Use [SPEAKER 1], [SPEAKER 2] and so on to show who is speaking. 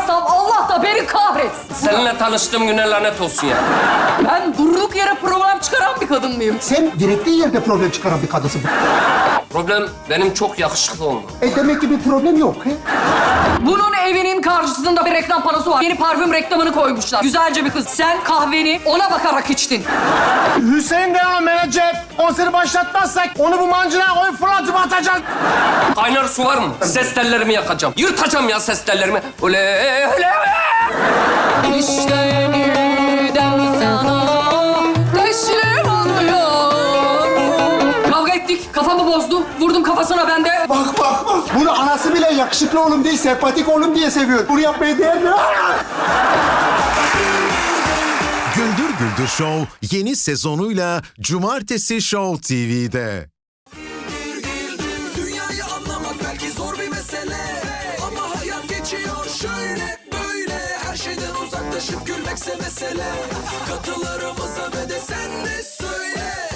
[SPEAKER 1] yapmazsam Allah da beni kahretsin.
[SPEAKER 2] Seninle tanıştığım güne lanet olsun ya.
[SPEAKER 1] Ben durduk yere problem çıkaran bir kadın mıyım?
[SPEAKER 3] Sen gerektiği yerde problem çıkaran bir kadınsın.
[SPEAKER 2] Problem benim çok yakışıklı olmam.
[SPEAKER 3] Demek ki bir problem yok. He?
[SPEAKER 1] Bunun evinin karşısında bir reklam panosu var. Yeni parfüm reklamını koymuşlar. Güzelce bir kız. Sen kahveni ona bakarak içtin.
[SPEAKER 4] Hüseyin Devam menajer. Konseri başlatmazsak onu bu mancına koyup fırlatıp atacağız.
[SPEAKER 2] Kaynar su var mı? Ses tellerimi yakacağım. Yırtacağım ya ses tellerimi. Öyle.
[SPEAKER 1] İşte yeniden sana teslim oluyor. Kavga ettik. Kafamı bozdu. Vurdum kafasına ben de.
[SPEAKER 3] Bak. Bunu anası bile yakışıklı oğlum değil, sempatik oğlum diye seviyor. Bunu yapmaya değer mi?
[SPEAKER 5] Güldür Güldür Show yeni sezonuyla Cumartesi Show TV'de.
[SPEAKER 6] Dünyayı anlamak belki zor bir mesele, ama hayat geçiyor şöyle böyle. Her şeyden uzaklaşıp gülmekse mesele. Katılarımıza ve de sen de söyle.